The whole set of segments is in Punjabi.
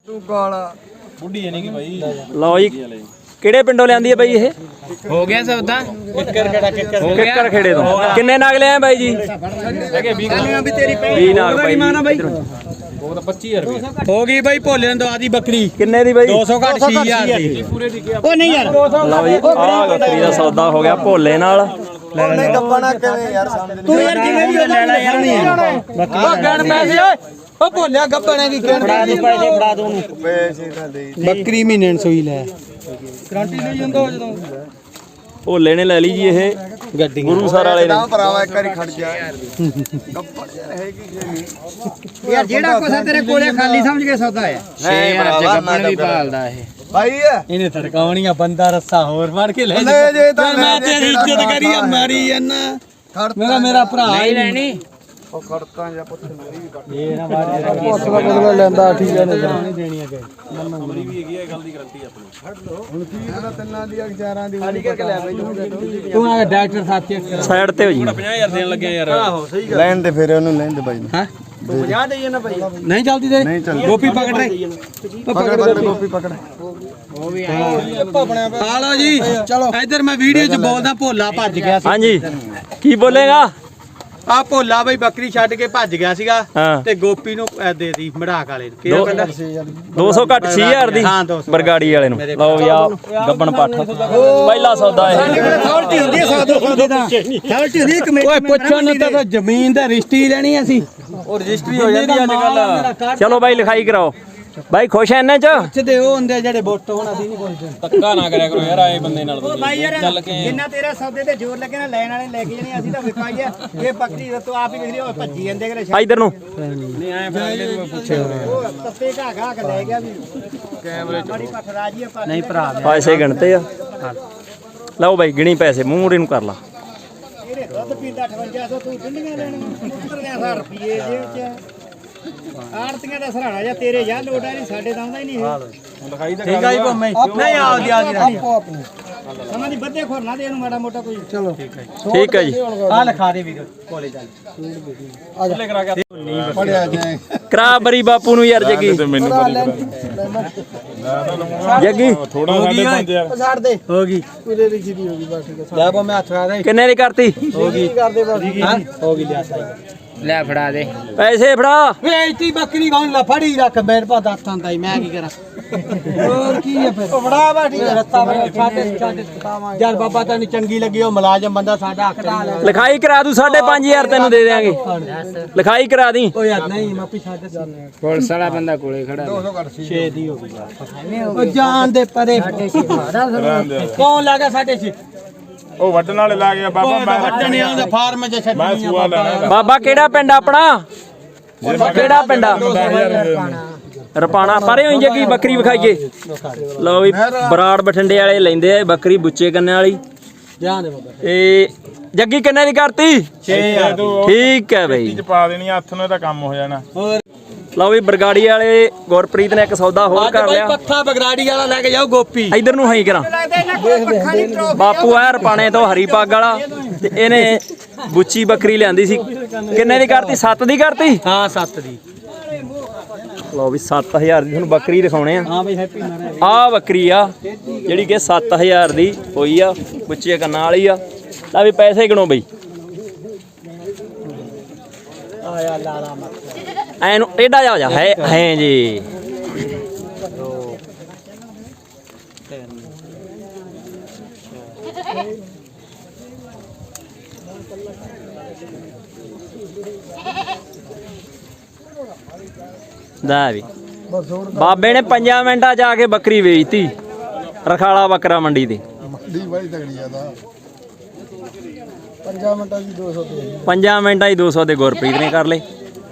ਤੂੰ ਕਾਲਾ ਬੁੱਢੀ ਨਹੀਂ ਕਿ ਭਾਈ ਲਓ ਜੀ ਕਿਹੜੇ ਪਿੰਡੋਂ ਲਿਆਂਦੀ ਹੈ ਬਾਈ ਇਹ? ਹੋ ਗਿਆ ਸੌਦਾ ਕਿੱਕਰ ਖੇੜੇ ਤੋਂ। ਕਿੰਨੇ ਨਾਗ ਲਿਆਏ ਬਾਈ ਜੀ? ਹੈਗੇ 20 ਵੀ ਤੇਰੀ 20 ਨਾਗ ਬਾਈ ਜੀ। ਉਹ ਤਾਂ 25000 ਰੁਪਏ ਹੋ ਗਈ ਬਾਈ ਭੋਲੇ ਨੂੰ ਦਵਾ ਦੀ ਬੱਕਰੀ ਕਿੰਨੇ ਦੀ ਬਾਈ? 200 ਘੱਟ 6000 ਦੀ ਪੂਰੇ ਦੀ ਉਹ ਨਹੀਂ ਯਾਰ ਲਓ ਜੀ ਆਹ ਬੱਕਰੀ ਦਾ ਸੌਦਾ ਹੋ ਗਿਆ ਭੋਲੇ ਨਾਲ। ਉਹਨੇ ਗੱਪਣਾ ਕਿਵੇਂ ਯਾਰ ਸਮਝ ਤੂੰ ਯਾਰ ਕਿਵੇਂ ਵੀ ਲੈ ਲੈ ਯਾਰ ਨਹੀਂ ਉਹ ਗਣ ਪੈਸੇ ਓਏ ਉਹ ਭੋਲਿਆ ਗੱਪਣੇ ਦੀ ਗਣ ਫੜਾ ਦੋ ਉਹਨੂੰ ਪੈਸੇ ਤਾਂ ਦੇ ਬੱਕਰੀ ਮਹੀਨੇ ਨੂੰ ਸੂਈ ਲੈ ਗਾਰੰਟੀ ਲਈ ਜਾਂਦਾ ਜਦੋਂ ਭੋਲੇ ਨੇ ਲੈ ਲਈ ਜੀ ਇਹ ਗੱਡੀ ਗੁਰੂਸਰ ਵਾਲੇ ਨੇ। ਨਾ ਭਰਾਵਾ ਇੱਕ ਵਾਰੀ ਖੜ ਜਾ ਗੱਪਣ ਯਾਰ ਹੈ ਕੀ ਨਹੀਂ ਯਾਰ ਜਿਹੜਾ ਕੁਛ ਤੇਰੇ ਕੋਲੇ ਖਾਲੀ ਸਮਝ ਕੇ ਸੌਦਾ ਹੈ ਨਹੀਂ ਭਰਾਵਾ ਮੈਂ ਵੀ ਭਾਲਦਾ ਇਹ ਭਾਈ ਇਹਨੇ ਤੜਕਾਉਣੀਆਂ ਬੰਦਾ ਰੱਸਾ ਹੋਰ ਫੜ ਕੇ ਲੈ ਲੈ ਜੇ ਤਾਂ ਮੈਂ ਤੇਰੀ ਇੱਜ਼ਤ ਕਰੀ ਮਾਰੀ ਜਾਂਦਾ ਮੇਰਾ ਭਰਾ ਹੀ ਲੈਣੀ ਉਹ ਖੜਕਾਂ ਜਾਂ ਪੁੱਛ ਮੇਰੀ ਵੀ ਕੱਟ ਇਹ ਨਾ ਬਾਅਦ ਬਦਲਾ ਲੈਂਦਾ ਠੀਕ ਹੈ ਨਹੀਂ ਦੇਣੀਆਂ ਕਿ ਨੰਬਰੀ ਵੀ ਹੈਗੀ ਹੈ ਗੱਲ ਦੀ ਗਾਰੰਟੀ ਆਪਣੀ। ਹੁਣ ਕੀ ਇਹਦਾ ਤਿੰਨਾਂ ਦੀ ਅਖਜ਼ਾਰਾਂ ਦੀ ਖਾਲੀ ਕਰਕੇ ਲੈ ਬਈ ਤੂੰ ਆ ਡਾਕਟਰ ਸਾਥੀ ਸਾਈਡ ਤੇ ਹੋ ਜੀ। 50000 ਦੇਣ ਲੱਗੇ ਯਾਰ ਆਹੋ ਸਹੀ ਗੱਲ। ਲੈਣ ਦੇ ਫਿਰ ਉਹਨੂੰ ਲੈਣ ਦੇ ਬਾਈ ਨੂੰ ਹਾਂ ਤੂੰ 50 ਦੇਈਏ ਨਾ ਬਾਈ। ਨਹੀਂ ਚੱਲਦੀ ਤੇ ਨਹੀਂ ਚੱਲਦੀ। ਗੋਪੀ ਪਕੜ ਰਹੇ ਪਕੜ ਗੋਪੀ ਪਕੜ ਉਹ ਵੀ ਆ ਲਓ ਜੀ ਚਲੋ ਇੱਧਰ ਮੈਂ ਵੀਡੀਓ 'ਚ ਬੋਲਦਾ ਭੋਲਾ ਭੱਜ ਗਿਆ ਸੀ। ਹਾਂਜੀ ਕੀ ਬੋਲੇਗਾ? ਆ ਭੋਲਾ ਬਈ ਬੱਕਰੀ ਛੱਡ ਕੇ ਭੱਜ ਗਿਆ ਸੀਗਾ ਹਾਂ। ਤੇ ਗੋਪੀ ਨੂੰ ਦੇਤੀ ਮੜਾਕ ਵਾਲੇ ਨੂੰ ਕਿਹੜਾ ਕਹਿੰਦਾ 200 ਘੱਟ 6000 ਦੀ ਹਾਂ, 200 ਬਰਗਾੜੀ ਵਾਲੇ ਨੂੰ। ਲਓ ਵੀ ਆ ਗੱਬਣ ਪੱਠ ਪਹਿਲਾ ਸੌਦਾ ਇਹ। ਥੌਲਟੀ ਹੁੰਦੀ ਹੈ 100 200 ਦਾ ਥੌਲਟੀ ਹੁੰਦੀ ਕਮੇਟੀ ਓਏ ਪੁੱਛਣ ਨੂੰ ਤਾਂ ਜ਼ਮੀਨ ਦਾ ਰਜਿਸਟਰੀ ਲੈਣੀ ਅਸੀਂ ਉਹ ਰਜਿਸਟਰੀ ਹੋ ਜਾਂਦੀ ਅੱਜ ਕੱਲ। ਚਲੋ ਬਾਈ ਲਿਖਾਈ ਕਰਾਓ। ਬਾਈ ਖੁਸ਼ ਐ ਇਹਨਾਂ ਚ? ਪੁੱਛਦੇ ਉਹ ਹੁੰਦੇ ਜਿਹੜੇ ਵੋਟ ਹੋਣ ਅਸੀਂ ਨਹੀਂ ਪੁੱਛਦੇ ਧੱਕਾ ਨਾ ਕਰਿਆ ਕਰੋ ਯਾਰ ਆਏ ਬੰਦੇ ਨਾਲ। ਭਾਈ ਯਾਰ ਜਿੰਨਾ ਤੇਰਾ ਸੌਦੇ ਤੇ ਜ਼ੋਰ ਲੱਗੇ ਨਾ ਲੈਣ ਵਾਲੇ ਲੈ ਕੇ ਜਾਣੇ ਅਸੀਂ ਤਾਂ ਵਿਕਾਈ ਆ ਇਹ ਬੱਕਰੀ ਤੂੰ ਆਪ ਹੀ ਵੇਖ ਲਈ ਉਹ ਭੱਜੀ ਜਾਂਦੇ ਕਰੇ ਆ ਇਧਰ ਨੂੰ। ਨਹੀਂ ਆਏ ਫਿਰ ਕੋਈ ਪੁੱਛੇ ਉਹ ਤੱਤੇ ਘਾ ਕੇ ਲੈ ਗਿਆ ਵੀ ਕੈਮਰੇ ਚ ਬੜੀ ਪੱਠ ਰਾਜੀ ਆ ਨਹੀਂ ਭਰਾ ਪੈਸੇ ਗਿਣਤੇ ਆ। ਲਓ ਬਾਈ ਗਿਣੀ ਪੈਸੇ ਮੂੰਹ ਮੂਰੇ ਨੂੰ ਕਰ ਲਾ। ਇਹਨੇ ਦੁੱਧ ਪੀਂਦਾ 5800 ਤੂੰ ਕਿੰਨੀਆਂ ਲੈਣੀਆਂ 15000 ਰੁਪਏ ਜੇਬ ਚ ਆੜਤੀਆਂ ਦਾ ਸਹਾਰਾ ਜਾਂ ਤੇਰੇ ਜਾਂ ਲੋਟਾ ਨਹੀਂ ਸਾਡੇ ਤਾਂ ਆਉਂਦਾ ਹੀ ਨਹੀਂ ਇਹ ਠੀਕ ਆ ਜੀ ਭੋਮੇ ਨਹੀਂ ਆਉਦੀ ਆਪੋ ਆਪਣੀ ਸਮਾਂ ਦੀ ਬੱਦੇ ਖੋਰਨਾ ਦੇ ਇਹਨੂੰ ਮਾੜਾ ਮੋਟਾ ਕੋਈ ਚਲੋ ਠੀਕ ਹੈ ਜੀ। ਆ ਲਿਖਾ ਦੇ ਵੀਰ ਕੋਲੇ ਚੱਲ ਪੜਿਆ ਜਾਏ ਕਰਾ ਬਰੀ ਬਾਪੂ ਨੂੰ ਯਾਰ ਜੱਗੀ। ਜੱਗੀ ਥੋੜਾ ਸਾਡੇ 5000 ਛੱਡ ਦੇ ਹੋ ਗਈ ਪੂਰੇ ਲਿਖੀ ਦੀ ਹੋ ਗਈ ਬਸ ਠੀਕ ਲੈ ਭੋਮੇ ਹੱਥ ਲਾ ਦੇ ਕਿੰਨੇ ਦੀ ਕਰਤੀ? ਹੋ ਗਈ ਕਰਦੇ ਬਸ ਹਾਂ ਹੋ ਗਈ ਲਿਆ ਲੈ ਫੜਾ ਦੇ ਪੈਸੇ ਫੜਾ। ਵੇਚਤੀ ਬੱਕਰੀ ਕੌਣ ਲਾ ਫੜੀ ਰੱਖ ਮੇਰੇ ਪਾ ਦੱਸ ਆਂਦਾ ਮੈਂ ਕੀ ਕਰਾਂ ਹੋਰ ਕੀ ਹੈ ਫਿਰ ਬੜਾ ਬਾ ਠੀਕ ਹੈ ਰਸਤਾ ਸਾਡੇ ਯਾਰ ਬਾਬਾ ਤੈਨੂੰ ਚੰਗੀ ਲੱਗੀ ਉਹ ਮੁਲਾਜ਼ਮ ਬੰਦਾ ਸਾਡਾ ਹੱਕ ਦਾ ਲਿਖਾਈ ਕਰਾ ਦੂ 5500 ਤੈਨੂੰ ਦੇ ਦੇਾਂਗੇ। ਲਿਖਾਈ ਕਰਾ ਦੀ। ਓ ਯਾਰ ਨਹੀਂ ਮਾਪੀ ਛੱਡ ਪੁਲਿਸ ਵਾਲਾ ਬੰਦਾ ਕੋਲੇ ਖੜਾ 200 ਘੱਟ ਸੀ 6 ਦੀ ਹੋ ਗਈ ਉਹ ਜਾਨ ਦੇ ਪਰੇ ਕੌਣ ਲੱਗਾ 6.5 ਉਹ ਵੱਢਣ ਵਾਲੇ ਲਾ ਗਿਆ ਬਾਬਾ ਮੈਂ ਵੱਢਣੇ ਆਉਂਦਾ ਫਾਰਮ 'ਚ ਛੱਡਣੀ ਆ ਬਾਬਾ ਬਾਬਾ ਕਿਹੜਾ ਪਿੰਡ ਆਪਣਾ? ਕਿਹੜਾ ਪਿੰਡ ਆ? ਰਪਾਣਾ ਪਰੇ ਹੋਈ ਜੱਗੀ ਬੱਕਰੀ ਵਿਖਾਈਏ। ਲਓ ਵੀ ਬਰਾੜ ਬਠਿੰਡੇ ਵਾਲੇ ਲੈਂਦੇ ਆ ਬੱਕਰੀ ਬੁੱਚੇ ਕੰਨੇ ਵਾਲੀ। ਜਾਨ ਦੇ ਬਾਬਾ ਤੇ ਜੱਗੀ ਕਿੰਨੇ ਦੀ ਕਰਤੀ? 6000 ਠੀਕ ਹੈ ਬਈ। ਚ ਪਾ ਦੇਣੀ ਹੱਥ ਨੂੰ ਇਹਦਾ ਕੰਮ ਹੋ ਜਾਣਾ। ਹੋਰ ਲਓ ਵੀ ਬਰਗਾੜੀ ਵਾਲੇ ਗੁਰਪ੍ਰੀਤ ਨੇ ਇੱਕ ਸੌਦਾ ਹੋਰ ਕਰ ਲਿਆ। ਪੱਖਾ ਬਗਰਾੜੀ ਵਾਲਾ ਲੈ ਕੇ ਜਾਓ ਗੋਪੀ ਇਧਰ ਨੂੰ ਹਾਈ ਕਰਾਂ। ਬਾਪੂ ਆ ਰਪਾਣੇ ਤੋਂ ਹਰੀ ਪੱਗ ਵਾਲਾ ਤੇ ਇਹਨੇ ਬੁੱਚੀ ਬੱਕਰੀ ਲਿਆਂਦੀ ਸੀ। ਕਿੰਨੇ ਦੀ ਕਰਤੀ? 7 ਦੀ ਕਰਤੀ। ਹਾਂ 7 ਦੀ ਲਓ ਵੀ 7000 ਦੀ ਤੁਹਾਨੂੰ ਬੱਕਰੀ ਦਿਖਾਉਣੇ ਆ। ਹਾਂ ਬਈ ਹੈਪੀ ਮਾਰਿਆ ਆਹ ਬੱਕਰੀ ਆ ਜਿਹੜੀ ਕਿ 7000 ਦੀ ਹੋਈ ਆ ਬੁੱਚੇ ਕੰਨਾਂ ਵਾਲੀ ਆ। ਲੈ ਵੀ ਪੈਸੇ ਗਿਣੋ ਬਈ। ਆਇਆ ਲਾਲਾ ਮੱਤ ਐ ਨੂੰ ਟੇਢਾ ਜਾ ਹੋ ਜਾ ਹੈ ਜੀ। ਦਾ ਵੀ ਬਾਬੇ ਨੇ 5 ਮਿੰਟਾਂ ਜਾ ਕੇ ਬੱਕਰੀ ਵੇਚਤੀ ਰਖਾਲਾ ਬੱਕਰਾ ਮੰਡੀ ਤੇ। ਦੀ ਬੜੀ ਤਗੜੀ ਆ ਦਾ 5 ਮਿੰਟਾਂ ਦੀ 200 ਦੇ 5 ਮਿੰਟਾਂ ਹੀ 200 ਦੇ ਗੁਰਪ੍ਰੀਤ ਨੇ ਕਰ ਲਏ।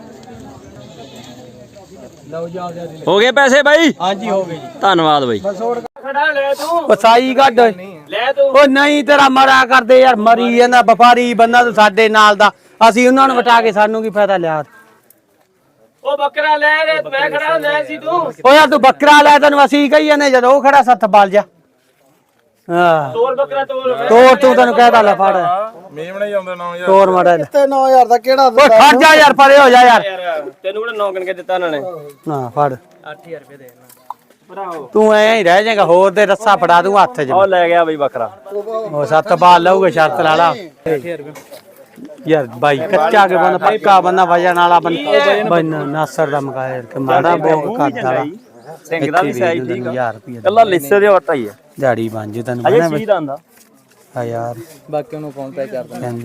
ਲਓ ਜਾਓ ਹੋ ਗਏ ਪੈਸੇ ਬਾਈ? ਹਾਂਜੀ ਹੋ ਗਏ ਜੀ ਧੰਨਵਾਦ ਬਾਈ। ਵਸਾਈ ਕੱਢ ਲੈ ਤੂੰ ਉਹ ਨਹੀਂ ਤੇਰਾ ਮਰਾ ਕਰਦੇ ਯਾਰ ਮਰੀ ਜਾਂਦਾ ਵਪਾਰੀ ਬੰਦਾ ਤੂੰ ਸਾਡੇ ਨਾਲ ਦਾ ਅਸੀਂ ਉਹਨਾਂ ਨੂੰ ਵਟਾ ਕੇ ਸਾਨੂੰ ਕੀ ਫਾਇਦਾ ਲਿਆ ਉਹ ਬੱਕਰਾ ਲੈ ਰੇ ਮੈਂ ਖੜਾ ਲੈ ਸੀ ਤੂੰ। ਓ ਯਾਰ ਤੂੰ ਬੱਕਰਾ ਲੈ ਤੈਨੂੰ ਅਸੀਂ ਕਹੀ ਜਾਂਦੇ ਜਦੋਂ ਉਹ ਖੜਾ ਸੱਤ ਬਾਲ ਜਾ ਹਾਂ ਤੋਰ ਬੱਕਰਾ ਤੋਰ ਤੋਰ ਤੂੰ ਤੈਨੂੰ ਕਹਿਦਾ ਲੈ ਫੜ ਮੇਮਣੇ ਹੀ ਆਉਂਦੇ 9000 ਤੋਰ ਮਾੜਾ ਤੇ 9000 ਦਾ ਕਿਹੜਾ ਓਏ ਖੜ ਜਾ ਯਾਰ ਪਰੇ ਹੋ ਜਾ ਯਾਰ ਤੈਨੂੰ ਕਿਹੜਾ 9 ਗਿਣ ਕੇ ਦਿੱਤਾ ਉਹਨਾਂ ਨੇ ਨਾ ਫੜ 8000 ਰੁਪਏ ਦੇ ਭਰਾਓ ਤੂੰ ਐਂ ਹੀ ਰਹਿ ਜਾਏਗਾ ਹੋਰ ਤੇ ਰੱਸਾ ਫੜਾ ਦੂੰ ਹੱਥ 'ਚ ਉਹ ਲੈ ਗਿਆ ਬਈ ਬੱਕਰਾ ਉਹ ਸੱਤ ਬਾਲ ਲਊਗਾ ਸ਼ਰਤ ਲਾ ਲਾ ਯਾਰ ਬਾਈ ਕੱਚਾ ਕੇ ਬੰਦਾ ਪੱਕਾ ਬੰਦਾ ਵਜਨ ਵਾਲਾ ਬੰਦਾ ਨਾਸਰ ਦਾ ਮਕਾਇਆ ਕਿ ਮਾੜਾ ਬਹੁਤ ਕਰਦਾ ਸਿੰਘ ਦਾ ਵੀ ਸਾਈਜ਼ ਠੀਕ ਆ 1000 ਰੁਪਏ ਕੱਲਾ ਲਿੱਸੇ ਦੇ ਵਟਾ ਹੀ ਆ ਦਿਹਾੜੀ ਬਣ ਜੂ ਤੈਨੂੰ ਅਜੇ ਪਤਾ ਚੀਜ਼ ਦਾ ਹੁੰਦਾ ਆ ਯਾਰ ਬਾਕੀ ਉਹਨੂੰ ਫੋਨ ਪੇ ਕਰ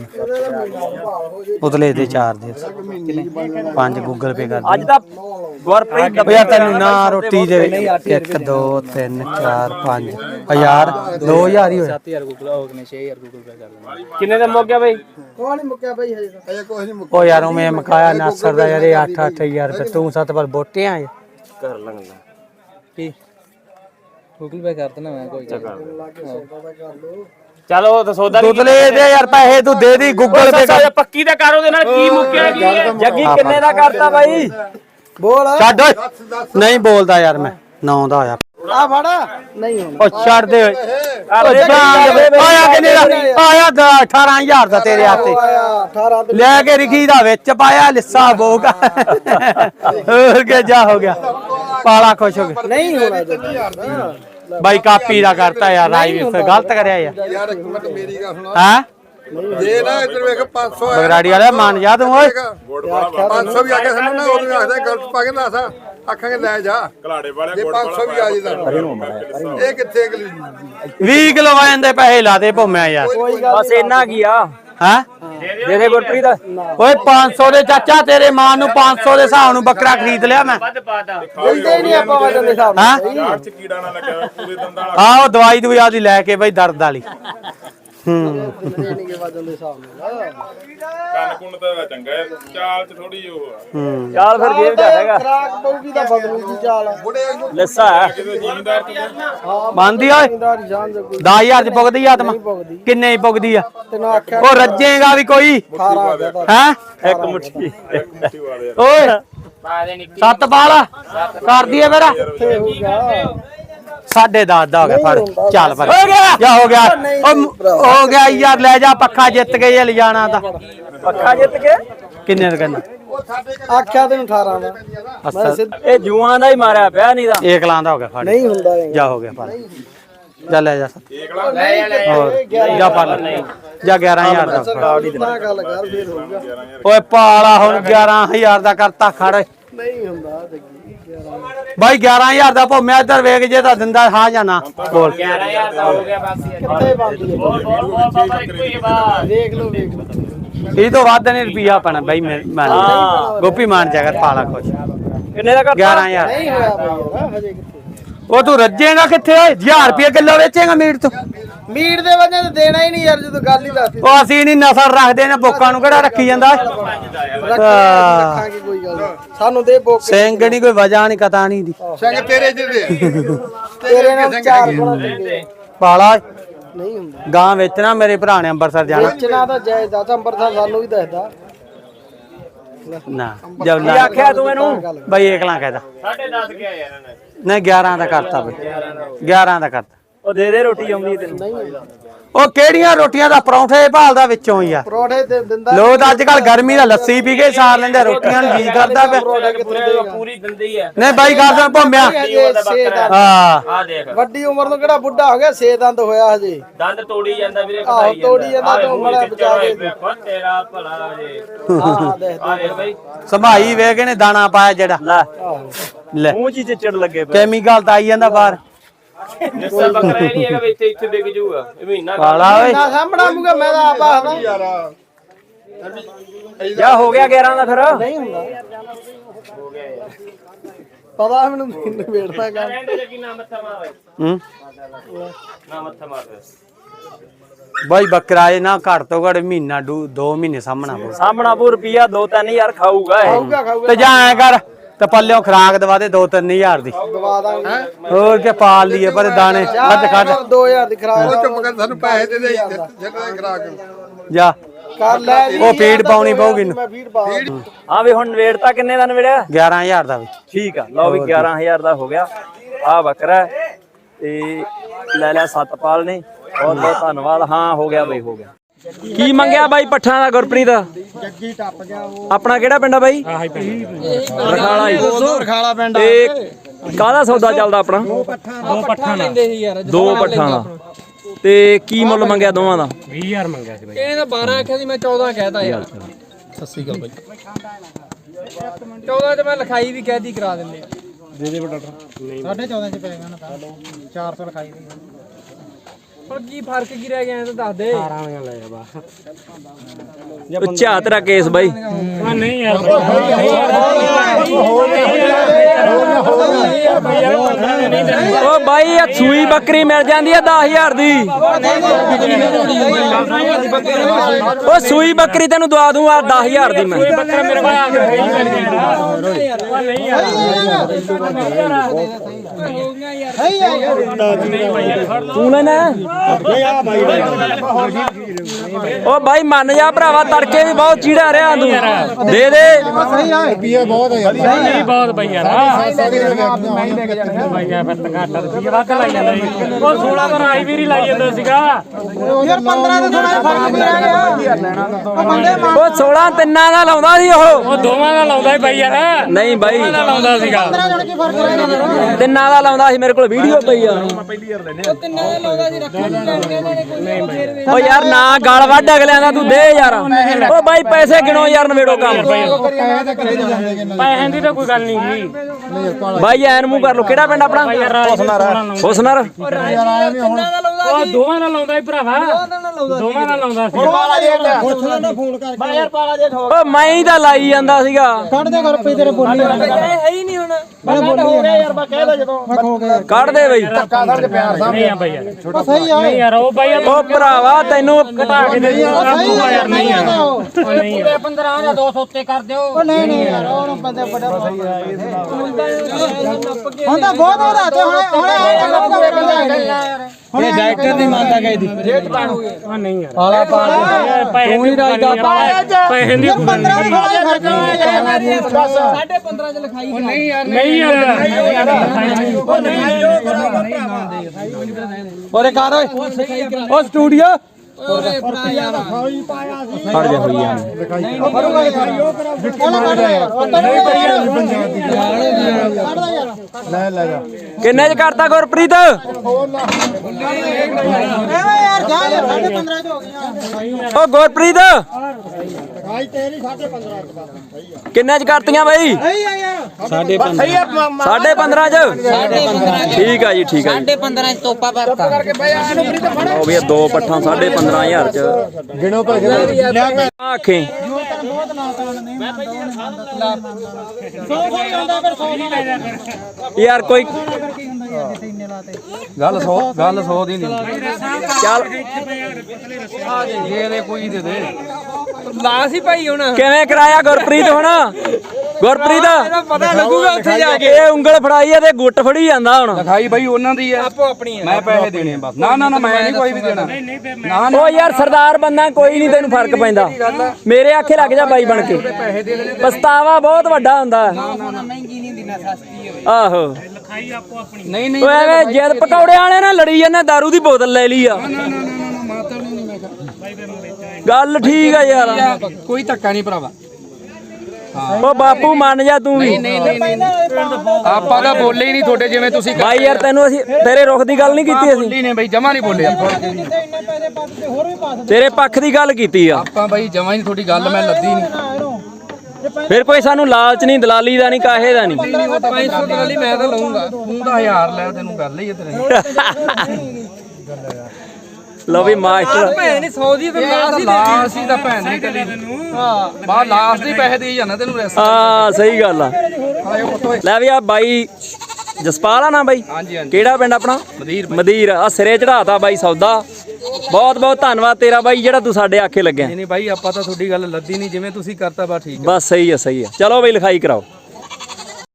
ਉਤਲੇ ਤੇ 4 ਦੇ 5 ਗੂਗਲ ਪੇ ਕਰ ਅੱਜ ਤਾਂ ਗੁਰਪ੍ਰੀਤ ਓ ਯਾਰ ਤੈਨੂੰ ਨਾ ਰੋਟੀ ਦੇ 1 2 3 4 5 1000 2000 ਹੀ ਹੋਇਆ 7000 ਗੂਗਲ ਹੋ ਗਏ 6000 ਗੂਗਲ ਪੇ ਕਰ ਲੈਣਾ ਕਿੰਨੇ ਦਾ ਮੁੱਕ ਗਿਆ ਬਈ ਕੋਈ ਨਹੀਂ ਮੁੱਕਿਆ ਬਈ ਹਜੇ ਕੁਝ ਨਹੀਂ ਓ ਯਾਰ ਉਹ ਮੈਂ ਮਕਾਇਆ ਨਾਸਰ ਦਾ ਯਾਰ 8-8000 ਰੁਪਏ ਤੂੰ 7 ਵਾਰ ਬੋਟੇ ਆ ਕਰ ਲਾਂਗਾ ਕੀ ਗੂਗਲ ਪੇ ਕਰ ਦੇਣਾ ਮੈਂ ਕੋਈ ਚਲੋ ਤਾਂ ਸੌਦਾ ਉਤਲੇ ਦੇ ਯਾਰ ਪੈਸੇ ਤੂੰ ਦੇ ਦੀ ਗੂਗਲ ਪੇ ਕਰ ਪੱਕੀ ਦਾ ਕਰ ਉਹਦੇ ਨਾਲ ਕੀ ਮੁੱਕਿਆ ਕੀ ਹੈ ਜੱਗੀ ਕਿੰਨੇ ਦਾ ਕਰਤਾ ਬਾਈ ਬੋਲ ਛੱਡ ਓਏ ਨਹੀਂ ਬੋਲਦਾ ਯਾਰ ਮੈਂ 9 ਦਾ ਹੋਇਆ ਆ ਫੜ ਨਹੀਂ ਹੁਣ ਉਹ ਛੱਡ ਦੇ ਓਏ ਆਇਆ ਕਿੰਨੇ ਦਾ ਆਇਆ 18000 ਦਾ ਤੇਰੇ ਹੱਥੇ 18 ਤੇ ਲੈ ਕੇ ਰਿਖੀ ਦਾ ਵਿੱਚ ਪਾਇਆ ਲਿੱਸਾ ਬੋਗਾ ਹੋਰ ਕੇ ਜਾ ਹੋ ਗਿਆ ਪਾਲਾ ਖੁਸ਼ ਹੋ ਗਿਆ ਨਹੀਂ ਹੋਣਾ 1000 ਦਾ ਬਾਈ ਕਾਪੀ ਦਾ ਕਰਤਾ ਯਾਰ ਰਾਈ ਵੀ ਫਿਰ ਗਲਤ ਕਰਿਆ ਯਾਰ ਇੱਕ ਮਿੰਟ ਮੇਰੀ ਗੱਲ ਸੁਣਾ ਹਾਂ ਜੇ ਨਾ ਇੱਧਰ ਵੇਖ 500 ਬਗਰਾੜੀ ਵਾਲਾ ਮੰਨ ਜਾ ਤੂੰ ਓਏ 500 ਵੀ ਆ ਕੇ ਸਾਨੂੰ ਨਾ ਉਦੋਂ ਆਖਦਾ ਗਲਤ ਪਾ ਕੇ ਨਾ ਆਸਾ ਆਖਾਂਗੇ ਲੈ ਜਾ ਘਲਾੜੇ ਵਾਲੇ ਜੇ 500 ਵੀ ਆ ਜੀ ਤਾਂ ਇਹ ਕਿੱਥੇ ਅਗਲੀ 20 ਕਿਲੋ ਵਾਇਨ ਦੇ ਪੈਸੇ ਲਾ ਦੇ ਭੋਮਿਆ ਯਾਰ ਬਸ ਇੰਨਾ ਕੀ ਆ ਹਾਂ ਦੇ ਦੇ ਗੁਰਪ੍ਰੀਤ ਓਏ 500 ਦੇ ਚਾਚਾ ਤੇਰੇ ਮਾਂ ਨੂੰ 500 ਦੇ ਹਿਸਾਬ ਨੂੰ ਬੱਕਰਾ ਖਰੀਦ ਲਿਆ ਮੈਂ ਦਿੰਦੇ ਨਹੀਂ ਆਪਾਂ ਵਜਨ ਦੇ ਹਿਸਾਬ ਹਾਂ ਯਾਰ ਚ ਕੀੜਾ ਨਾ ਲੱਗਿਆ ਹੋਇਆ, ਪੂਰੇ ਦੰਦਾਂ ਵਾਲਾ ਆਹ ਉਹ ਦਵਾਈ ਦਵਾਈ ਆਦੀ ਲੈ ਕੇ ਬਈ ਦਰਦ ਵਾਲੀ ਦਿੰਦੇ ਨਹੀਂ ਵਜਨ ਦੇ ਹਿਸਾਬ ਨਾਲ ਕੰਨ ਕੁੰਨ ਤਾਂ ਚੰਗਾ ਹੈ, ਚਾਲ ਚ ਥੋੜੀ ਉਹ ਆ ਚਾਲ ਫਿਰ ਜੇਬ ਜਾ ਹੈਗਾ ਖਰਾਕ ਪਊਗੀ ਤਾਂ ਬਦਲੂ ਦੀ ਚਾਲ ਲਿੱਸਾ ਹੈ ਕਿਤੇ ਜ਼ਿਮੀਂਦਾਰ ਚ ਬੰਦੀ ਓਏ ਜ਼ਿੰਦਾਰੀ ਜਾਨ ਦੇ ਕੋਈ 10000 ਚ ਪੁੱਗਦੀ ਆਤਮਾ ਕਿੰਨੇ ਹੀ ਪੁੱਗਦੀ ਆ ਤੈਨੂੰ ਆਖਿਆ ਉਹ ਰੱਜੇਗਾ ਵੀ ਕੋਈ 18 ਆ ਗਿਆ ਤਾਂ ਹੈ ਇੱਕ ਮੁੱਠੀ ਓਏ ਸੱਤ ਬਾਲ ਕਰ ਦਈਏ ਮੇਰਾ ਕਿੱਥੇ ਹੋਊਗਾ 10.5 ਦਾ ਹੋ ਗਿਆ ਫੜ ਚੱਲ ਪਰ ਜਾ ਹੋ ਗਿਆ ਉਹ ਹੋ ਗਿਆ ਯਾਰ ਲੈ ਜਾ ਪੱਖਾ ਜਿੱਤ ਗਏ ਇਹ ਲਿਜਾਣਾ ਤਾਂ ਪੱਖਾ ਜਿੱਤ ਕੇ ਕਿੰਨੇ ਦਾ ਕਹਿੰਦਾ ਆਖਿਆ ਤੈਨੂੰ 18 ਦਾ ਮੈਂ ਸਿੱਧ ਇਹ ਜੂਆਂ ਦਾ ਹੀ ਮਾਰਿਆ ਪਿਆ ਨਹੀਂ ਤਾਂ ਇੱਕ ਲਾਂ ਦਾ ਹੋ ਗਿਆ ਫੜ ਨਹੀਂ ਹੁੰਦਾ ਇਹ ਜਾ ਹੋ ਗਿਆ ਫੜ ਜਾ ਲੈ ਜਾ ਲੈ ਹੋਰ ਜਾ ਫੜ ਲੈ ਜਾ 11000 ਦਾ ਫੜ। ਨਾ ਗੱਲ ਕਰ ਫੇਰ ਹੋਊਗਾ ਓਏ ਪਾਲਾ ਹੁਣ 11000 ਦਾ ਕਰਤਾ ਖੜ ਨਹੀਂ ਹੁੰਦਾ ਜੱਗੀ ਬਾਈ 11000 ਦਾ ਭੋਮਿਆ ਇੱਧਰ ਵੇਖ ਜੇ ਤਾਂ ਦਿੰਦਾ ਹਾਂ ਜਾਂ ਨਾ ਬੋਲ 11000 ਦਾ ਹੋ ਗਿਆ ਬਸ ਕਿੱਥੇ ਬੰਦੀ ਹੈ ਦੇਖ ਲਓ ਵੇਖ ਲਓ ਇਹ ਤੋਂ ਵੱਧ ਨਹੀਂ ਰੁਪਿਆ ਪੈਣਾ ਬਾਈ ਮੈਂ ਗੋਪੀ ਮਾਨ ਜਗਤ ਪਾਲਾ ਖੁਸ਼ ਕਿੰਨੇ ਦਾ ਕਰਤਾ 11000 ਨਹੀਂ ਹੋਇਆ ਬਈ ਯਾਰ ਹਜੇ ਕਿੱਥੇ ਉਹ ਤੂੰ ਰੱਜੇਗਾ ਕਿੱਥੇ ਓਏ 1000 ਰੁਪਏ ਕਿਲੋ ਵੇਚੇਗਾ ਮੀਟ ਤੋਂ ਮੀਟ ਦੇ ਵਜ੍ਹਾ ਤੇ ਦੇਣਾ ਹੀ ਨਹੀਂ ਯਾਰ ਜਦੋਂ ਗੱਲ ਹੀ ਦੱਸਦੀ ਉਹ ਅਸੀਂ ਨਹੀਂ ਨਸਲ ਰੱਖਦੇ ਨੇ ਬੋਕਾਂ ਨੂੰ ਕਿਹੜਾ ਰੱਖੀ ਜਾਂਦਾ ਰੱਖਾਂਗੇ ਕੋਈ ਗੱਲ ਨੀ। ਸਾਨੂੰ ਦੇ ਬੋਕ ਸਿੰਘ ਨਹੀਂ ਕੋਈ ਵਜ੍ਹਾ ਨਹੀਂ ਕਤਾ ਨਹੀਂ ਦੀ ਸਿੰਘ ਤੇਰੇ ਜਿਹਦੇ ਤੇਰੇ ਨਾਲ 4 ਗੁਣਾ ਦਿੰਦੇ ਪਾਲਾ ਨਹੀਂ ਹੁੰਦਾ ਗਾਂ ਵੇਚਣਾ ਮੇਰੇ ਭਰਾ ਨੇ ਅੰਮ੍ਰਿਤਸਰ ਜਾਣਾ ਵੇਚਣਾ ਤਾਂ ਜਾਇਜ਼ ਦਾ ਅੰਬਰਸਰ ਸਾਨੂੰ ਵੀ ਦੱਸਦਾ ਨਾ ਜਬ ਕੀ ਆਖਿਆ ਤੂੰ ਇਹਨੂੰ ਬਾਈ ਇਕਲਾ ਕਹਿਦਾ 10.5 ਗਿਆ ਯਾਰ ਇਹਨੇ ਨਹੀਂ 11 ਦਾ ਕਰਤਾ ਬਈ 11 ਦਾ ਕਰਤਾ ਉਹ ਦੇ ਦੇ ਰੋਟੀ ਆਉਂਦੀ ਤੈਨੂੰ ਨਹੀਂ ਉਹ ਕਿਹੜੀਆਂ ਰੋਟੀਆਂ ਦਾ ਪਰੌਂਠੇ ਭਾਲਦਾ ਵਿੱਚੋਂ ਹੀ ਆ ਪਰੋਠੇ ਤੇ ਦਿੰਦਾ ਲੋਕ ਤਾਂ ਅੱਜ ਕੱਲ ਗਰਮੀ ਦਾ ਲੱਸੀ ਪੀ ਕੇ ਸਾਰ ਲੈਂਦੇ ਰੋਟੀਆਂ ਨੂੰ ਜੀ ਕਰਦਾ ਪਿਆ ਪਰੋਠੇ ਕਿੱਥੇ ਦੇਗਾ ਪੂਰੀ ਦਿੰਦੀ ਹੈ ਨਹੀਂ ਬਾਈ ਕਰਦਾ ਭੋਮਿਆ ਹਜੇ 6 ਦੰਦ ਹਾਂ ਆ ਦੇਖ ਵੱਡੀ ਉਮਰ ਨੂੰ ਕਿਹੜਾ ਬੁੱਢਾ ਹੋ ਗਿਆ 6 ਦੰਦ ਹੋਇਆ ਹਜੇ ਦੰਦ ਤੋੜੀ ਜਾਂਦਾ ਵੀਰੇ ਆਹੋ ਤੋੜੀ ਜਾਂਦਾ ਤੂੰ ਮੜਾ ਬਚਾ ਕੇ ਤੇਰਾ ਭਲਾ ਜੇ ਹਾਂ ਦੇਖ ਆ ਦੇਖ ਬਈ ਸੰਭਾਈ ਵੇਖ ਕੇ ਨੇ ਦਾਣਾ ਪਾਇਆ ਜਿਹੜਾ ਲੈ ਲੈ ਮੂੰਹ ਚ ਚਿੱਚੜ ਲੱਗੇ ਪਏ ਕੈਮੀਕਲ ਤਾਂ ਆਈ ਜਾਂਦਾ ਬਾਹਰ ਜਿਸਾ ਬੱਕਰਾ ਇਹ ਨਹੀਂ ਹੈਗਾ ਵੀ ਇੱਥੇ ਵਿਕ ਜਾਊਗਾ ਇਹ ਮਹੀਨਾ ਪਾਲਾ ਓਏ ਨਾ ਸਾਹਮਣਾ ਮੂਗਾ ਮੈਂ ਤਾਂ ਆਪ ਆਖਦਾ ਜਾ ਹੋ ਗਿਆ 11 ਦਾ ਫਿਰ ਨਹੀਂ ਹੁੰਦਾ ਪਤਾ ਮੈਨੂੰ ਵੇੜਦਾ ਕੰਮ ਰਹਿੰਦੇ ਜੱਗੀ ਨਾ ਮੱਥਾ ਮਾਰ ਹੂੰ ਨਾ ਮੱਥਾ ਮਾਰ ਬਾਈ ਬੱਕਰਾ ਇਹ ਨਾ ਘੱਟ ਤੋਂ ਘੱਟ ਮਹੀਨਾ 2 ਮਹੀਨੇ ਸਾਹਮਣਾ ਪਊ। ਸਾਹਮਣਾ ਪੂ ਰੁਪਿਆ 2-3000 ਖਾਊਗਾ ਇਹ ਖਾਊਗਾ ਖਾਊਗਾ ਤੇ ਜਾ ਐ ਕਰ ਤੇ ਪੱਲਿਓਂ ਖਰਾਕ ਦਵਾ ਦੇ 2-3000 ਦੀ ਦਵਾ ਦਾਂਗੇ ਹੋਰ ਕੇ ਪਾਲ ਲਈਏ ਪਰ ਦਾਣੇ ਕੱਢ ਕੱਢ 2000 ਦੀ ਖਰਾਕ ਉਹ ਚੁੱਪ ਕਰ ਸਾਨੂੰ ਪੈਸੇ ਦੇ ਦੇ ਜਿਹੜਾ ਖਰਾਕ ਜਾ ਕਰ ਲੈ ਜੀ ਉਹ ਫੀਡ ਪਾਉਣੀ ਪਊਗੀ ਮੈਂ ਫੀਡ ਪਾ ਹਾਂ ਵੀ ਹੁਣ ਨਵੇੜਤਾ ਕਿੰਨੇ ਦਾ ਨਵੇੜਿਆ 11000 ਦਾ ਵੀ ਠੀਕ ਆ ਲਓ ਵੀ 11000 ਦਾ ਹੋ ਗਿਆ ਆ ਬੱਕਰਾ ਹੈ ਤੇ ਲੈ ਲਿਆ 7 ਪਾਲ ਨੇ ਬਹੁਤ ਬਹੁਤ ਧੰਨਵਾਦ। ਹਾਂ ਹੋ ਗਿਆ ਬਈ, ਹੋ ਗਿਆ। ਕੀ ਮੰਗਿਆ ਬਾਈ ਪੱਠਾਂ ਦਾ ਗੁਰਪ੍ਰੀਤ? ਜੱਗੀ ਟੱਪ ਗਿਆ ਉਹ। ਆਪਣਾ ਕਿਹੜਾ ਪਿੰਡ ਆ ਬਾਈ? ਰਖਾਲਾ ਹੀ। ਰਖਾਲਾ ਪਿੰਡ ਤੇ ਕਾਹਦਾ ਸੌਦਾ ਚੱਲਦਾ ਆਪਣਾ? ਦੋ ਪੱਠਾਂ ਲੈਂਦੇ ਸੀ ਯਾਰ। 2 ਪੱਠਾਂ ਦਾ। ਤੇ ਕੀ ਮੁੱਲ ਮੰਗਿਆ ਦੋਵਾਂ ਦਾ? 20000 ਮੰਗਿਆ ਸੀ ਬਾਈ। ਇਹਨੇ 12 ਆਖਿਆ ਸੀ, ਮੈਂ 14 ਕਹਿਤਾ ਯਾਰ। ਸੱਸੀ ਗੱਲ ਬਾਈ। 14 ਤੇ ਮੈਂ ਲਿਖਾਈ ਵੀ ਕਹਿਦੀ ਕਰਾ ਦਿੰਦੇ। ਦੇ ਦੇ ਬਟਾ 14.5 ਚ ਪਏਗਾ ਨਾ ਤਾਂ 400 ਲਿਖਾਈ ਦੀ। ਹੁਣ ਕੀ ਫਰਕ ਕੀ ਰਹਿ ਗਿਆ ਇਹ ਤਾਂ ਦੱਸ ਦੇ। 18 ਲੈ ਜਾ ਬਸ। ਉੱਚਾ ਤੇਰਾ ਕੇਸ ਬਾਈ। ਨਹੀਂ ਯਾਰ ਓ ਬਾਈ ਆ ਸੂਈ ਬੱਕਰੀ ਮਿਲ ਜਾਂਦੀ ਆ 10000 ਦੀ। ਓ ਸੂਈ ਬੱਕਰੀ ਤੈਨੂੰ ਦਵਾ ਦੂੰ ਆ 10000 ਦੀ ਮੈਂ। ਬੱਕਰਾ ਮੇਰੇ ਕੋਲ ਆ ਤੂੰ ਲੈਣਾ? ਓ ਬਾਈ ਮੰਨ ਜਾ ਭਰਾਵਾ, ਤੜਕੇ ਵੀ ਬਹੁਤ ਚੀੜਾ ਰਿਹਾ ਤੂੰ। ਦੇ ਦੇ ਰੁਪਈਆ ਬਹੁਤ ਹੈ ਯਾਰ। ਨਹੀਂ ਬਹੁਤ ਬਈ ਯਾਰ। ਮੈਂ ਲੈ ਕੇ ਜਾਣਾ ਬਈ ਯਾਰ, ਫਿਰ ਤਾਂ ਘਾਟਾ ਰੁਪਈਆ ਵੱਧ ਲਾਈ ਜਾਂਦਾ ਸੀ। ਉਹ 16 ਤੋਂ ਰਾਈ ਵੀਰ ਹੀ ਲਾਈ ਜਾਂਦਾ ਸੀਗਾ ਯਾਰ। 15 ਤੋਂ ਥੋੜਾ ਫਰਕ ਨਹੀਂ ਰਹਿ ਗਿਆ। ਉਹ 16 ਤਿੰਨਾਂ ਦਾ ਲਾਉਂਦਾ ਸੀ ਉਹ ਦੋਵਾਂ ਦਾ ਲਾਉਂਦਾ ਸੀ ਬਈ ਯਾਰ। ਨਹੀਂ ਬਾਈ ਲਾਉਂਦਾ ਸੀਗਾ। ਤਿੰਨਾਂ ਦਾ ਲਾਉਂਦਾ ਸੀ, ਮੇਰੇ ਕੋਲ ਵੀਡੀਓ ਪਈ ਆ। ਤਿੰਨਾਂ ਦਾ ਲਾਉਂਦਾ ਸੀ, ਰੱਖਿਆ ਨਹੀਂ ਲੈਣਗੇ ਇਹਨਾਂ ਨੇ ਕੋਈ। ਓ ਯਾਰ ਨਾ ਗਲ ਵੱਢ ਅਗਲਿਆਂ ਦਾ, ਤੂੰ ਦੇ ਯਾਰ। ਓ ਬਾਈ ਪੈਸੇ ਗਿਣੋ ਯਾਰ, ਨਵੇੜੋ ਕੰਮ। ਪੈਸੇ ਦੀ ਤਾਂ ਕੋਈ ਗੱਲ ਨਹੀਂ ਜੀ ਬਾਈ ਐਨ ਮੂੰਹ ਕਰ ਲੋ। ਕਿਹੜਾ ਪਿੰਡ ਆਪਣਾ? ਹੁਸਨਰ। ਤਿੰਨਾਂ ਦਾ ਲਾਉਂਦਾ ਉਹ ਦੋਵਾਂ ਦਾ ਲਾਉਂਦਾ ਸੀ ਭਰਾਵਾ। ਦੋਵਾਂ ਦਾ ਲਾਉਂਦਾ ਸੀ। ਓ ਮੈਂ ਹੀ ਤਾਂ ਲਾਈ ਜਾਂਦਾ ਸੀਗਾ। ਹੈ ਹੀ ਨਹੀਂ ਹੁਣ। ਕੱਢ ਦੇ ਬਈ। ਨਹੀਂ ਆ ਬਈ ਯਾਰ। ਨਹੀਂ ਯਾਰ ਉਹ ਬਈ ਓ ਭਰਾਵਾ ਤੈਨੂੰ ਘਟਾ ਕੇ ਦੇ ਯਾਰ। ਨਹੀਂ ਯਾਰ। ਨਹੀਂ ਯਾਰ। 15 ਜਾਂ 200 ਉੱਤੇ ਕਰ ਦਿਓ। ਉਹ ਨਹੀਂ ਯਾਰ, ਉਹਨੂੰ ਬੰਦੇ ਬੜਾ ਹੁਣ ਤਾਂ ਬਹੁਤ ਵਧਾ ਤੇ ਹੁਣ ਇਹ ਡਾਇਰੈਕਟਰ ਦੀ ਮੰਨਦਾ ਗਈ ਦੀ ਰੇਟ ਪਾਣੋਗੇ। ਉਹ ਨਹੀਂ ਯਾਰ। ਆਲਾ ਪਾ ਦੇ ਤੂੰ ਹੀ ਰਾਜਦਾ ਪੈਸੇ ਦੀ 15 ਫਰਕ ਨਹੀਂ 15.5 ਚ ਲਿਖਾਈ। ਨਹੀਂ ਯਾਰ, ਨਹੀਂ ਯਾਰ। ਉਹ ਨਹੀਂ ਓਰੇ ਕਰ ਓਏ। ਉਹ ਸਟੂਡੀਓ ਓਰੇ ਭਰਾ ਯਾਰ। ਫੜ ਜਾ ਹੋਈ ਆ। ਲੈ ਜਾ। ਕਿੰਨੇ ਚ ਕਰਤਾ ਗੁਰਪ੍ਰੀਤ? ਯਾਰ ਜਾ ਯਾਰ 15.5 ਚ ਹੋ ਗਈਆਂ। ਓ ਗੁਰਪ੍ਰੀਤ ਭਾਈ ਤੇਰੀ 15.5 ਕਿੰਨੇ ਚ ਕਰਤੀਆਂ ਬਾਈ? ਸਹੀ ਆ ਯਾਰ। 15.5 ਚ। ਠੀਕ ਆ ਜੀ, ਠੀਕ ਆ ਜੀ। 15.5 ਚ ਤੋਪਾ ਭਰਤਾ ਉਹ ਵੀ 2 ਪੱਠਾਂ 15,500 ਚ। ਗਿਣੋ ਪੈਸੇ। ਆਖੇ ਯਾਰ ਕੋਈ ਗੱਲ 100 ਦੀ ਨਹੀਂ। ਚੱਲ ਦੇ ਦੇ ਕੋਈ ਦੇ ਦੇ। ਲਾਸ ਹੀ ਭਾਈ ਹੁਣ। ਕਿਵੇਂ ਕਰਾਇਆ ਗੁਰਪ੍ਰੀਤ ਹੁਣ? ਗੁਰਪ੍ਰੀਤ ਪਤਾ ਲੱਗੂਗਾ ਉੱਥੇ ਜਾ ਕੇ। ਇਹ ਉਂਗਲ ਫੜਾਈ ਆ ਤੇ ਗੁੱਟ ਫੜੀ ਜਾਂਦਾ ਹੁਣ। ਲਿਖਾਈ ਬਾਈ ਉਹਨਾਂ ਦੀ ਆ, ਆਪੋ ਆਪਣੀ ਹੈ। ਮੈਂ ਪੈਸੇ ਦੇਣੇ ਬਸ। ਨਾ ਨਾ ਮੈਂ ਨਹੀਂ ਕੋਈ ਵੀ ਦੇਣਾ। ਨਾ ਓ ਯਾਰ ਸਰਦਾਰ ਬੰਦਾ ਕੋਈ ਨਹੀਂ, ਤੈਨੂੰ ਫਰਕ ਪੈਂਦਾ। ਮੇਰੇ ਆਖੇ ਲੱਗ ਜਾ ਬਾਈ ਬਣ ਕੇ। ਪਛਤਾਵਾ ਬਹੁਤ ਵੱਡਾ ਹੁੰਦਾ। ਮਹਿੰਗੀ ਨਹੀਂ ਦਿਨਾ, ਸਸਤੀ ਹੋਵੇ। ਆਹੋ ਨਹੀਂ ਨਹੀਂ ਓ ਐਵੇਂ ਜਿੱਦ ਪਕੌੜੇ ਵਾਲੇ ਨਾਲ ਲੜੀ ਜਾਂਦੇ, ਦਾਰੂ ਦੀ ਬੋਤਲ ਲੈ ਲਈ ਆ। ਗੱਲ ਠੀਕ ਆ ਯਾਰ। ਕੋਈ ਧੱਕਾ ਨਹੀਂ ਭਰਾਵਾ। ਓ ਬਾਪੂ ਮੰਨ ਜਾ ਤੂੰ ਵੀ। ਆਪਾਂ ਤਾਂ ਬੋਲੇ ਹੀ ਨਹੀਂ ਤੁਹਾਡੇ ਜਿਵੇਂ ਤੁਸੀਂ ਬਾਈ ਯਾਰ ਤੈਨੂੰ ਅਸੀਂ ਤੇਰੇ ਰੁਖ ਦੀ ਗੱਲ ਨਹੀਂ ਕੀਤੀ ਅਸੀਂ। ਬੋਲੀ ਨੇ ਬਾਈ, ਜਮਾ ਨਹੀਂ ਬੋਲੇ ਆਪਾਂ। ਤੇਰੇ ਪੱਖ ਦੀ ਗੱਲ ਕੀਤੀ ਆ। ਆਪਾਂ ਬਾਈ ਜਮਾ ਹੀ ਨਹੀਂ, ਤੁਹਾਡੀ ਗੱਲ ਮੈਂ ਲੱਦੀ ਨਹੀਂ। ਫਿਰ ਕੋਈ ਸਾਨੂੰ ਲਾਲਚ ਨਹੀਂ, ਦਲਾਲੀ ਦਾ ਨਹੀਂ, ਕਾਹੇ ਦਾ ਨਹੀਂ। 500 ਟਰਾਲੀ ਮੈਂ ਤਾਂ ਲਊਂਗਾ, ਤੂੰ ਤਾਂ 1000 ਲੈ। ਤੈਨੂੰ ਗੱਲ ਹੀ ਤੇਰੇ। ਲਓ ਵੀ ਮਾਸਟਰ ਭੈਣ ਨਹੀਂ 100 ਦੀ ਤੇ ਲਾਸ ਹੀ ਤਾਂ ਭੈਣ ਨਹੀਂ ਕਰੀ। ਹਾਂ ਬਾਹਰ ਲਾਸ ਦੇ ਪੈਸੇ ਦੇਈ ਜਾਂਦਾ ਤੈਨੂੰ ਰੈਸ। ਹਾਂ ਸਹੀ ਗੱਲ ਆ। ਲੈ ਵੀ ਆ ਬਾਈ ਜਸਪਾਲ ਆ ਨਾ ਬਾਈ? ਹਾਂਜੀ ਹਾਂਜੀ। ਕਿਹੜਾ ਪਿੰਡ ਆਪਣਾ? ਮਦੀਰ। ਆ ਸਿਰੇ ਚੜਾਤਾ ਬਾਈ ਸੌਦਾ। ਬਹੁਤ ਬਹੁਤ ਧੰਨਵਾਦ ਤੇਰਾ ਬਾਈ, ਜਿਹੜਾ ਤੂੰ ਸਾਡੇ ਆਖੇ ਲੱਗਿਆ। ਨਹੀਂ ਬਾਈ ਆਪਾਂ ਤਾਂ ਤੁਹਾਡੀ ਗੱਲ ਲੱਦੀ ਨਹੀਂ, ਜਿਵੇਂ ਤੁਸੀਂ ਕਰਤਾ ਬਾ ਠੀਕ। ਬਸ ਸਹੀ ਆ, ਸਹੀ ਆ। ਚਲੋ ਬਈ ਲਿਖਾਈ ਕਰਾਓ।